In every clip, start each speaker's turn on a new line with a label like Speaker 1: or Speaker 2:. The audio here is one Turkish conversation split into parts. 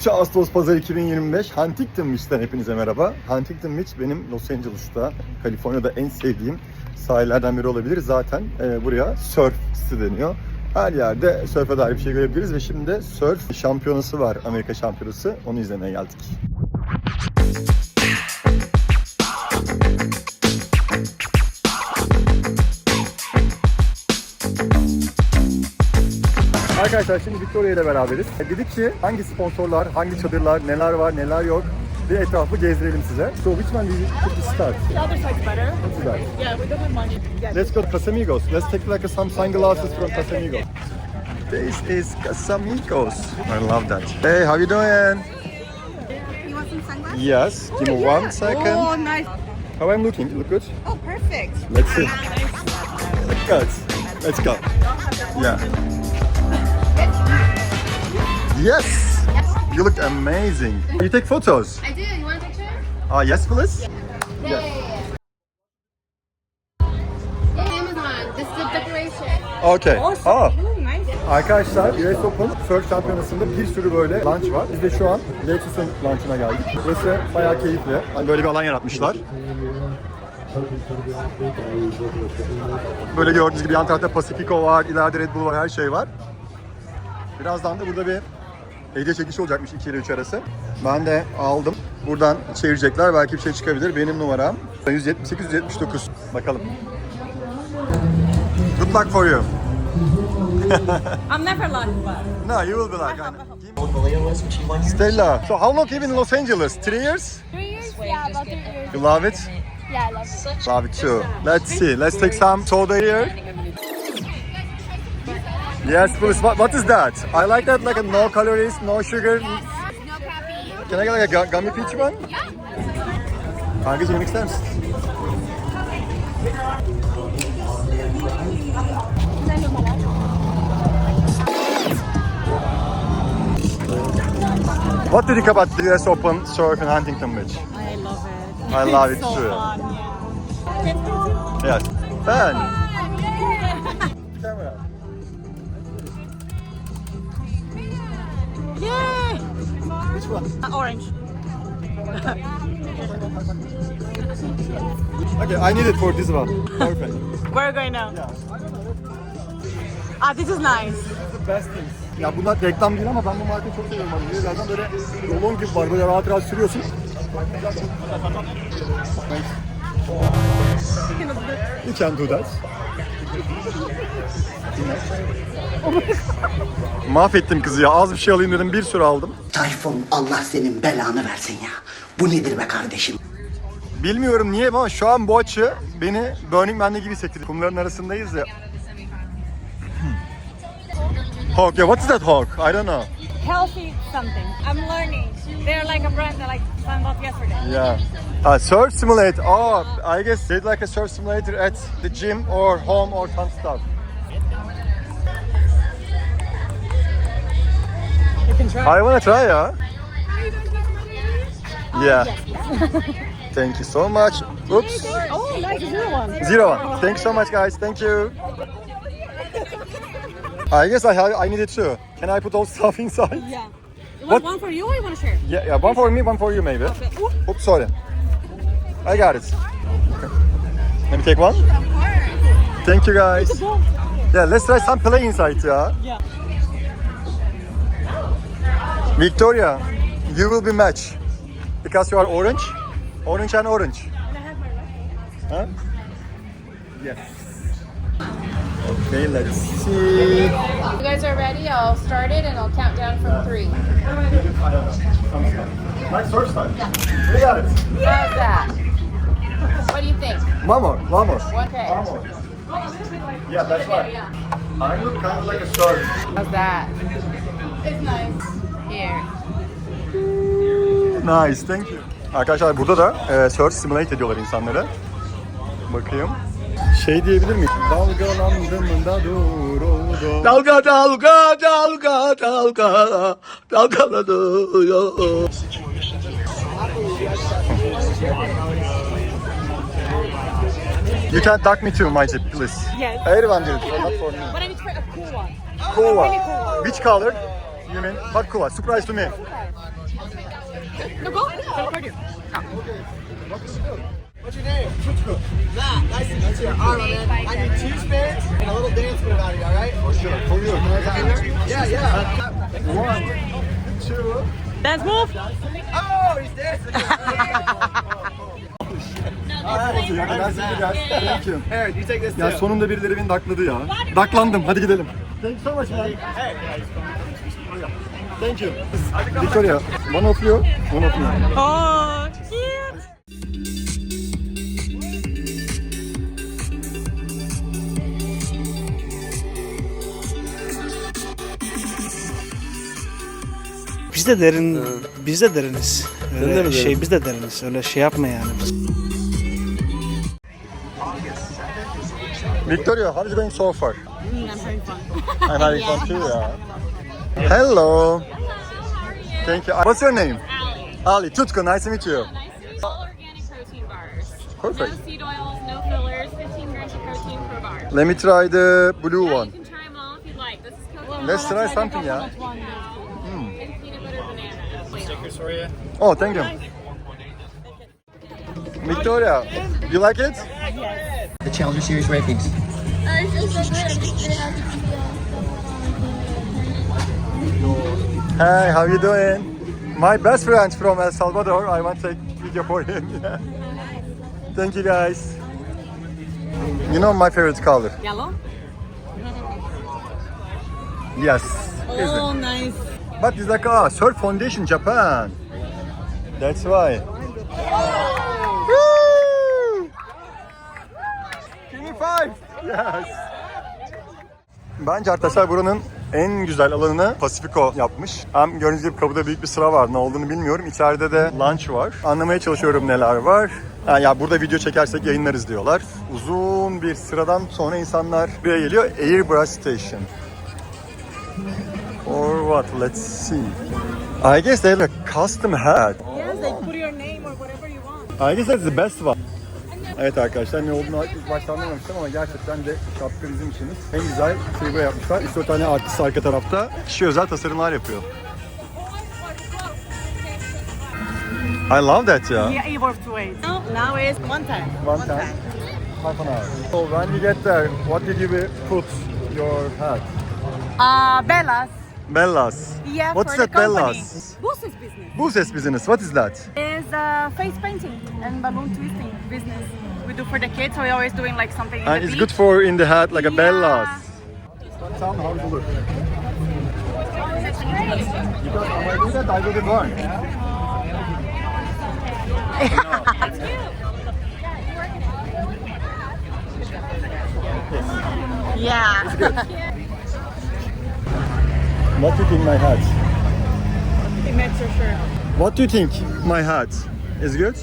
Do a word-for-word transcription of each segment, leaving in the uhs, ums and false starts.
Speaker 1: üç Ağustos Pazar iki bin yirmi beş Huntington Beach'ten hepinize merhaba. Huntington Beach benim Los Angeles'ta, Kaliforniya'da en sevdiğim sahillerden biri olabilir. Zaten e, buraya surf site deniyor. Her yerde surf'e dair bir şey görebiliriz ve şimdi de surf şampiyonası var, Amerika şampiyonası. Onu izlemeye geldik. Arkadaşlar şimdi Victoria ile beraberiz. Dedik ki hangi sponsorlar, hangi çadırlar, neler var, neler yok bir etrafı gezdirelim size. So which one do you think to start?
Speaker 2: The other side's better.
Speaker 1: What's that?
Speaker 2: Yeah, we don't have money. Yeah.
Speaker 1: Let's go to Casamigos. Let's take like some sunglasses from Casamigos. This is Casamigos. I love that. Hey, how you doing?
Speaker 3: You want some sunglasses?
Speaker 1: Yes. Give me
Speaker 3: yeah.
Speaker 1: one second.
Speaker 3: Oh, nice.
Speaker 1: How I'm looking? You look good?
Speaker 3: Oh, perfect.
Speaker 1: Let's see. Good. Let's go. Yeah. Yes. You look amazing. You take photos?
Speaker 3: I do. You want a picture?
Speaker 1: Ah, yes, please.
Speaker 3: Yeah, yeah, yeah. yeah. Amazon. This is the decoration.
Speaker 1: Okay. Ah.
Speaker 3: Ooh, nice.
Speaker 1: Arkadaşlar U S Open Surf Şampiyonası'nda bir sürü böyle launch var. Biz de şu an Lexus'un launch'ına geldik. Burası bayağı keyifli. Hani böyle bir alan yaratmışlar. Böyle gördüğünüz gibi yan tarafta Pacifico var, ileride Red Bull var, her şey var. Birazdan da burada bir hediye çekişi olacakmış iki ile üç arası. Ben de aldım. Buradan çevirecekler. Belki bir şey çıkabilir. Benim numaram yüz yetmiş sekiz yüz yetmiş dokuz. Bakalım. Good luck for you.
Speaker 2: I'm never lucky, but.
Speaker 1: No, you will be like. Stella, so how long have you been in Los Angeles? Three years?
Speaker 4: Three years? Yeah, about three years.
Speaker 1: You love it?
Speaker 4: Yeah, I love it.
Speaker 1: Love it too. Let's see. Let's take some soda here. Yes, please. What, what is that? I like that, like a no calories, no sugar.
Speaker 4: No caffeine.
Speaker 1: Can I get like a gu- gummy peach one?
Speaker 4: Yeah.
Speaker 1: Kankacığım yemek ister misin? What do you think about the U S Open Surf in Huntington Beach?
Speaker 2: I love it.
Speaker 1: I love it
Speaker 2: It's so
Speaker 1: too.
Speaker 2: fun, yeah.
Speaker 1: Yes. Ben. Camera.
Speaker 2: Yay!
Speaker 1: Which one?
Speaker 2: Uh, orange.
Speaker 1: Okay, I need it for this one. Perfect.
Speaker 2: Where are we going now?
Speaker 1: Yeah.
Speaker 2: Ah, this is nice.
Speaker 1: The best things. Ya bunlar reklam değil ama ben bu markayı çok seviyorum. Hani zaten böyle rolon gibi var. Böyle rahat rahat sürüyorsun. You can do that. Mahvettim kızı ya. Az bir şey alayım dedim. Bir sürü aldım.
Speaker 5: Tayfun, Allah senin belanı versin ya. Bu nedir be kardeşim?
Speaker 1: Bilmiyorum niye ama şu an bu açı beni Burning Man'de gibi hissettiriyor. Kumların arasındayız ya. Hawk, yeah, what is that hawk? I don't know.
Speaker 2: Healthy something. I'm learning. They're like a brand that I found out yesterday.
Speaker 1: Yeah. Uh, surf simulator. Oh, I guess they like a surf simulator at the gym or home or some stuff.
Speaker 2: You can try.
Speaker 1: I wanna try, yeah. Yeah. Thank you so much. Oops.
Speaker 2: Oh, nice. Zero one.
Speaker 1: Zero one. Thank you so much, guys. Thank you. I guess I have. I need it too. Can I put all stuff inside?
Speaker 2: Yeah. You
Speaker 1: What?
Speaker 2: want one for you or you want to share?
Speaker 1: Yeah, yeah. One for me, one for you, maybe.
Speaker 2: Okay. Ooh.
Speaker 1: Oops, sorry. I got it. Let me take one. Thank you, guys. Yeah, let's try some play inside, yeah.
Speaker 2: Yeah.
Speaker 1: Victoria, you will be match because you are orange, orange and orange.
Speaker 2: And I have my right.
Speaker 1: Huh? Yes. Okay, let's see.
Speaker 3: You guys are ready? I'll start it and I'll count down from three.
Speaker 1: I don't know. Some stuff. Like surf style. We got it.
Speaker 3: How's that? What do you think?
Speaker 1: One more, one more.
Speaker 3: Okay.
Speaker 1: One more. Yeah, that's right. I look kind of like a surf.
Speaker 3: How's that? It's nice. Here.
Speaker 1: Nice, thank you. Arkadaşlar burada da e, surf simulate ediyorlar insanlara. Bakayım. Şey diyebilir miyim? Dalgalandım da duruldu.
Speaker 6: Dalga dalga dalga dalga dalgalanıyor.
Speaker 1: You can duck me to my jeep, please.
Speaker 2: Yes.
Speaker 1: Everyone did it, but not for me.
Speaker 2: But I need to try a cool one.
Speaker 1: Cool one.
Speaker 2: Really cool one.
Speaker 1: Which color? You mean? But cool, surprise to me.
Speaker 2: No, go. Record you.
Speaker 7: What's your name? Matt, nice to meet you. All right, man. I need two spins and a little dance move out of you, all right?
Speaker 1: For sure, for you.
Speaker 7: Yeah, yeah.
Speaker 1: One, two.
Speaker 2: Dance move.
Speaker 7: Oh, he's dancing.
Speaker 1: Hadi ya, ben sizi gel. Thank you.
Speaker 7: Aaron, you take this
Speaker 1: Ya
Speaker 7: too.
Speaker 1: sonunda birileri beni dakladı ya. Daklandım, hadi gidelim. Thank you so much man. Thank you. Victoria, one of you, one of you.
Speaker 2: Oh, cute.
Speaker 8: Biz de derin, biz de deriniz. Öyle şey biz de deriniz. Öyle şey yapma yani.
Speaker 1: Victoria, how is it going so far?
Speaker 2: I'm having fun.
Speaker 1: I'm having fun too, yeah. Hello. Thank you. What's your name? Ali. Tutku, nice to meet you.
Speaker 9: All organic protein bars.
Speaker 1: Perfect.
Speaker 9: No seed oils, no fillers, fifteen grams of protein per bar.
Speaker 1: Let me try the blue
Speaker 9: Yeah,
Speaker 1: one.
Speaker 9: you can try them all if you'd like. This is coconut
Speaker 1: Let's try something, yeah.
Speaker 9: and peanut butter banana.
Speaker 1: Oh, thank you. Victoria, you like it?
Speaker 5: The Challenger Series rankings.
Speaker 4: I feel so good. I'm just really happy to be on.
Speaker 1: Hey, how you doing? My best friend from El Salvador. I want to take video for him. Yeah. Thank you guys. You know my favorite color?
Speaker 2: Yellow.
Speaker 1: Yes.
Speaker 2: Oh, nice.
Speaker 1: But it's like ah, Surf Foundation Japan. That's why. Woo! Give me five. Yes. Bence arkadaşlar buranın en güzel alanını Pacifico yapmış. Hem gördüğünüz gibi kapıda büyük bir sıra var. Ne olduğunu bilmiyorum. İçeride de lunch var. Anlamaya çalışıyorum neler var. Ha, ya burada video çekersek yayınlarız diyorlar. Uzun bir sıradan sonra insanlar buraya geliyor. Airbrush Station. Or what? Let's see. I guess they have a custom hat.
Speaker 2: Yes, like put your name or whatever you want.
Speaker 1: I guess that's the best one. Evet arkadaşlar, ne olduğunu ilk başta anlamamıştım ama gerçekten de şapka bizim işimiz. En güzel şeyi buraya yapmışlar. üç dört tane artist arka tarafta kişi özel tasarımlar yapıyor. I love that ya.
Speaker 2: Yeah, it works two ways. Now, now is one time.
Speaker 1: One time. Half an hour. So when you get there, what did you put your hat?
Speaker 2: Uh, Bella's.
Speaker 1: Bellas.
Speaker 2: Yeah,
Speaker 1: What's
Speaker 2: for
Speaker 1: that
Speaker 2: the company.
Speaker 1: Bellas?
Speaker 2: Boost's business
Speaker 1: Buses business. What is that?
Speaker 2: is uh, face painting and balloon twisting business. We do for the kids, so we're always doing like something in
Speaker 1: And
Speaker 2: the
Speaker 1: it's
Speaker 2: beach.
Speaker 1: good for in the hat like a
Speaker 2: Yeah.
Speaker 1: Bellas. Tell me how it look. Because when I do that, I will be burned.
Speaker 2: Yeah.
Speaker 1: What do you think my hat?
Speaker 2: It makes your shirt.
Speaker 1: What do you think my hat is good?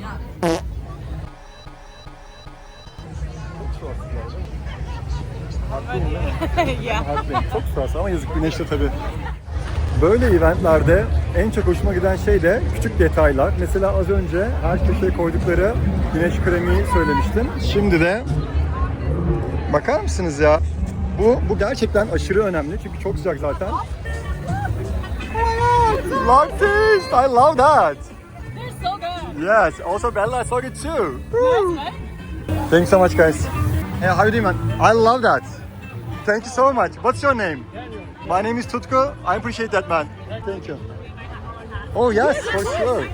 Speaker 2: Yeah.
Speaker 1: Harbiden çok sırası ama yazık güneşte tabii. Böyle eventlerde en çok hoşuma giden şey de küçük detaylar. Mesela az önce her köşeye koydukları güneş kremi söylemiştim. Şimdi de bakar mısınız ya? Bu bu gerçekten aşırı önemli çünkü çok sıcak zaten. Oh my god! Love this! I love that!
Speaker 2: They're so good.
Speaker 1: Yes, also Bella, I saw it too. Woo. Thanks so much, guys. Hey, how you doing, man? I love that. Thank you so much. What's your name? My name is Tutku. I appreciate that, man. Thank you. Oh yes, for sure.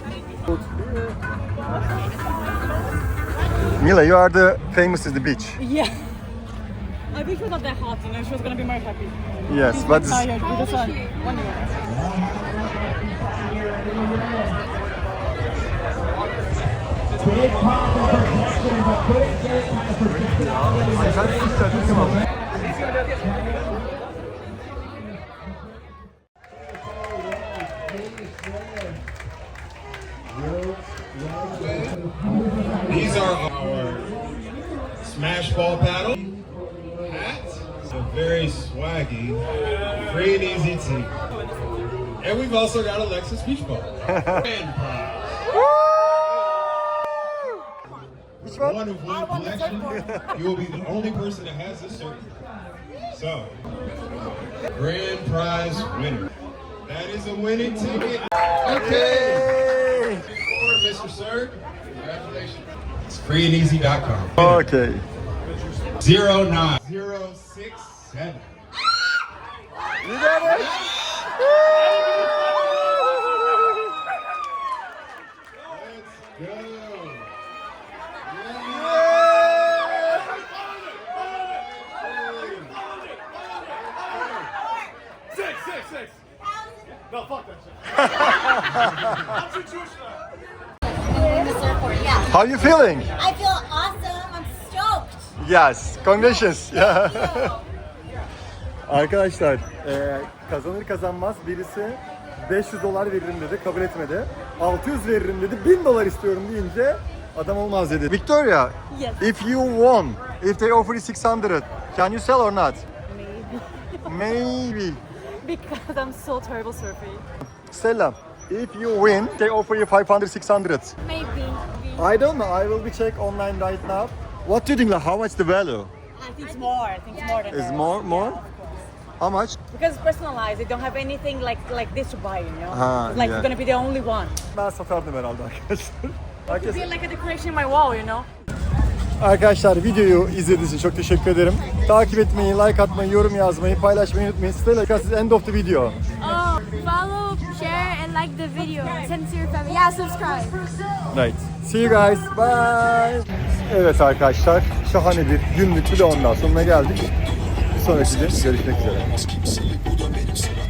Speaker 1: Mila, you are the famous at the beach.
Speaker 2: Yeah. I think she was not that hot, you know, she was gonna be more happy.
Speaker 1: Yes,
Speaker 2: She's
Speaker 1: but
Speaker 2: not tired with the sun. One year.
Speaker 10: These are our smash ball paddle hats. So very swaggy, free and easy tee. And we've also got a Lexus beach ball. Grand prize.
Speaker 1: Which one?
Speaker 10: One of one collection. You will be the only person that has this shirt. So, grand prize winner That is a winning ticket. Okay. For Mister Sir, congratulations. It's free and easy dot com.
Speaker 1: Okay.
Speaker 10: Zero nine zero six seven.
Speaker 1: You got it.
Speaker 10: Let's go.
Speaker 1: How you feeling?
Speaker 4: I feel awesome. I'm stoked.
Speaker 1: Yes, congratulations. Arkadaşlar, e, kazanır kazanmaz birisi beş yüz dolar veririm dedi, kabul etmedi. altı yüz veririm dedi, bin dolar istiyorum deyince adam olmaz dedi. Victoria,
Speaker 2: Yes.
Speaker 1: if you won, if they offer you six hundred, can you sell or not?
Speaker 2: Maybe.
Speaker 1: Maybe.
Speaker 2: Because I'm so terrible surfing.
Speaker 1: Stella, if you win, they offer you five hundred, six hundred.
Speaker 2: Maybe.
Speaker 1: I don't know, I will be check online right now. What do you think, like, how much the value?
Speaker 2: I think it's more. I think it's more than
Speaker 1: Is
Speaker 2: that.
Speaker 1: more, more? How much?
Speaker 2: Because it's personalized. They don't have anything like like this to buy, you know?
Speaker 1: Ah,
Speaker 2: It's like
Speaker 1: yeah.
Speaker 2: you're gonna be the only one.
Speaker 1: Ben satardım herhalde arkadaşlar.
Speaker 2: It
Speaker 1: Herkes...
Speaker 2: be like a decoration in my wall, you know?
Speaker 1: Arkadaşlar videoyu izlediğiniz için çok teşekkür ederim. Takip etmeyi, like atmayı, yorum yazmayı, paylaşmayı unutmayın. Stella, this is end of the video.
Speaker 4: Oh, follow, share, and like the video. Send it to your family. Yeah, subscribe.
Speaker 1: Right. See you guys. Bye. Evet arkadaşlar, şahane bir günlük vlog'un daha sonuna geldik. Bir sonraki gün görüşmek üzere.